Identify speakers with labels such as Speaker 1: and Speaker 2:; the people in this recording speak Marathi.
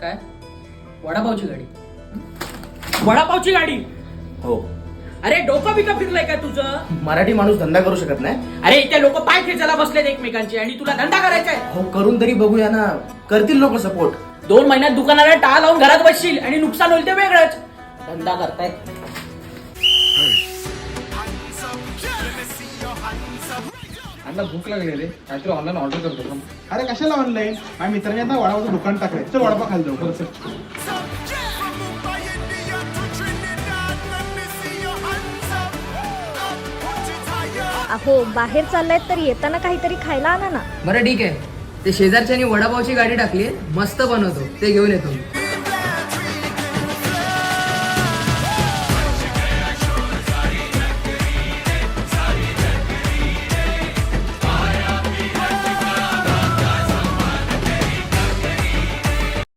Speaker 1: काय वडापावची गाडी? वडापावची गाडी?
Speaker 2: हो.
Speaker 1: अरे डोकं बिकं फिरलंय का तुझं?
Speaker 2: मराठी माणूस धंदा करू शकत नाही?
Speaker 1: अरे इथे लोक पाय खेचायला बसलेत एकमेकांचे आणि तुला धंदा करायचा आहे?
Speaker 2: हो, करून तरी बघूया ना. करतील लोक सपोर्ट.
Speaker 1: 2 महिन्यात दुकानाला टाळा लावून घरात बसशील आणि नुकसान होईल ते वेगळंच. धंदा करतायत.
Speaker 3: अण्णा भूक लागली रे, काहीतरी ऑनलाईन ऑर्डर करतो का? अरे कशाला ऑनलाईन? माझ्या मित्राने आता वडापावचं दुकान टाकलंय. चल वडापाव खायला जाऊ. खरंच.
Speaker 4: अहो बाहेर चाललाय तर येताना काहीतरी खायला आणा ना.
Speaker 5: बरं ठीक आहे, ते शेजारच्यानी वडापावची गाडी टाकली, मस्त बनवतो, ते घेऊन येतो.